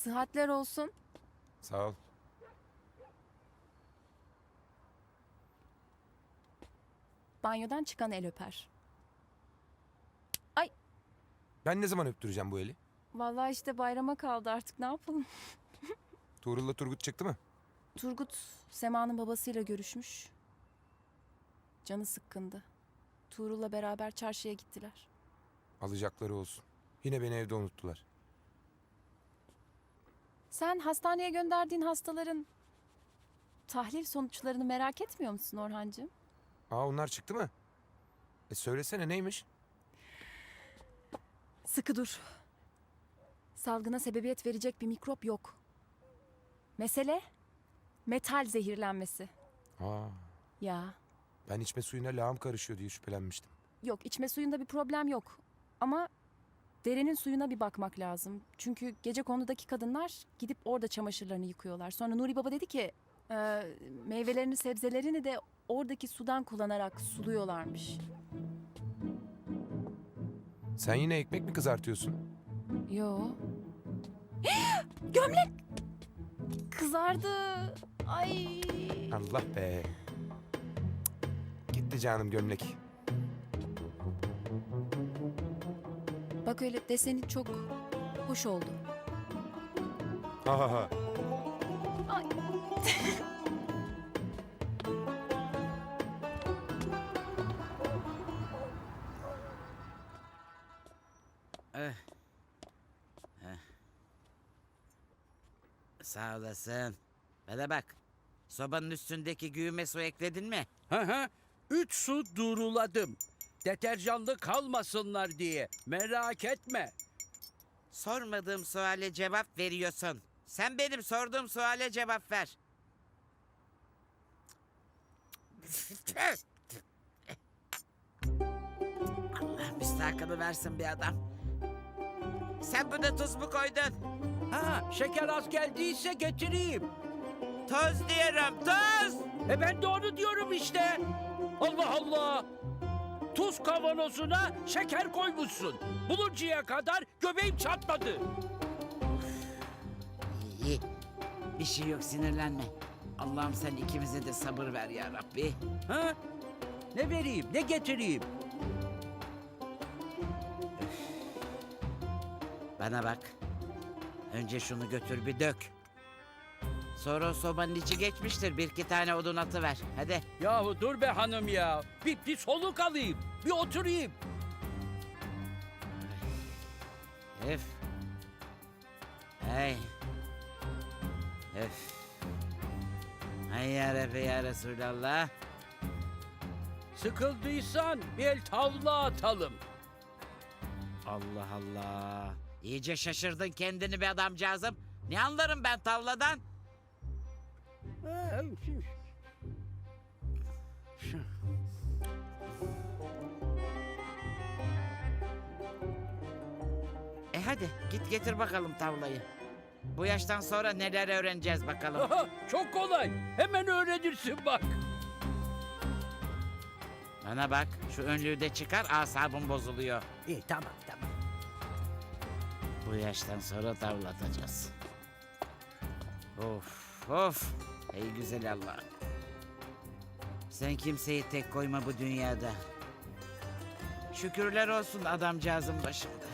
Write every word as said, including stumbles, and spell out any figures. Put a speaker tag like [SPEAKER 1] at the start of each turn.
[SPEAKER 1] Sıhhatler olsun.
[SPEAKER 2] Sağ ol.
[SPEAKER 1] Banyodan çıkan el öper.
[SPEAKER 2] Ben ne zaman öptüreceğim bu eli?
[SPEAKER 1] Vallahi işte bayrama kaldı artık ne yapalım.
[SPEAKER 2] Tuğrul'la Turgut çıktı mı?
[SPEAKER 1] Turgut Sema'nın babasıyla görüşmüş. Canı sıkkındı. Tuğrul'la beraber çarşıya gittiler.
[SPEAKER 2] Alacakları olsun. Yine beni evde unuttular.
[SPEAKER 1] Sen hastaneye gönderdiğin hastaların tahlil sonuçlarını merak etmiyor musun Orhancığım?
[SPEAKER 2] Aa onlar çıktı mı? E söylesene neymiş?
[SPEAKER 1] Sıkı dur. Salgına sebebiyet verecek bir mikrop yok. Mesele metal zehirlenmesi.
[SPEAKER 2] Aa
[SPEAKER 1] Ya
[SPEAKER 2] ben içme suyuna lağım karışıyor diye şüphelenmiştim.
[SPEAKER 1] yok, içme suyunda bir problem yok. Ama derenin suyuna bir bakmak lazım. Çünkü gecekonudaki kadınlar gidip orada çamaşırlarını yıkıyorlar. Sonra Nuri Baba dedi ki e, meyvelerini sebzelerini de oradaki sudan kullanarak suluyorlarmış.
[SPEAKER 2] Sen yine ekmek mi kızartıyorsun?
[SPEAKER 1] Yo. Gömlek! Kızardı. Ay.
[SPEAKER 2] Allah be. Gitti canım gömlek.
[SPEAKER 1] Bak öyle deseni çok hoş oldu.
[SPEAKER 2] Ha ha ha.
[SPEAKER 1] Ay.
[SPEAKER 3] Eh. Eh. Sağ olasın. Bana bak. Sobanın üstündeki güğüme su ekledin mi?
[SPEAKER 4] Hı hı. Üç su duruladım. Deterjanlı kalmasınlar diye. Merak etme.
[SPEAKER 3] Sormadığım suale cevap veriyorsun. Sen benim sorduğum suale cevap ver. Allah müstahakını versin bir adam. Sen buna tuz mu koydun?
[SPEAKER 4] Ha, şeker az geldiyse getireyim.
[SPEAKER 3] Tuz diyorum, tuz!
[SPEAKER 4] E ben de onu diyorum işte. Allah Allah. Tuz kavanozuna şeker koymuşsun. Buluncaya kadar göbeğim çatladı.
[SPEAKER 3] İyi. Bir şey yok, sinirlenme. Allah'ım sen ikimize de sabır ver ya Rabbi.
[SPEAKER 4] Ha? Ne vereyim, ne getireyim?
[SPEAKER 3] Bana bak. Önce şunu götür bir dök. Sonra o sobanın içi geçmiştir. Bir iki tane odun atıver. Hadi.
[SPEAKER 4] Yahu dur be hanım ya. Bir, bir soluk alayım, bir oturayım.
[SPEAKER 3] Öf. Hey. Öf. Hay ya Rabbi ya Resulallah.
[SPEAKER 4] Sıkıldıysan bir el tavla atalım.
[SPEAKER 3] Allah Allah. İyice şaşırdın kendini be adamcağızım. Ne anlarım ben tavladan?
[SPEAKER 4] Ha,
[SPEAKER 3] E hadi git getir bakalım tavlayı. Bu yaştan sonra neler öğreneceğiz bakalım.
[SPEAKER 4] Aha, çok kolay. Hemen öğrenirsin bak.
[SPEAKER 3] Bana bak şu önlüğü de çıkar, asabım bozuluyor.
[SPEAKER 4] İyi tamam tamam.
[SPEAKER 3] Bu yaştan sonra tavlatacağız. Of of. Ey güzel Allah. Sen kimseyi tek koyma bu dünyada. Şükürler olsun adamcağızın başında.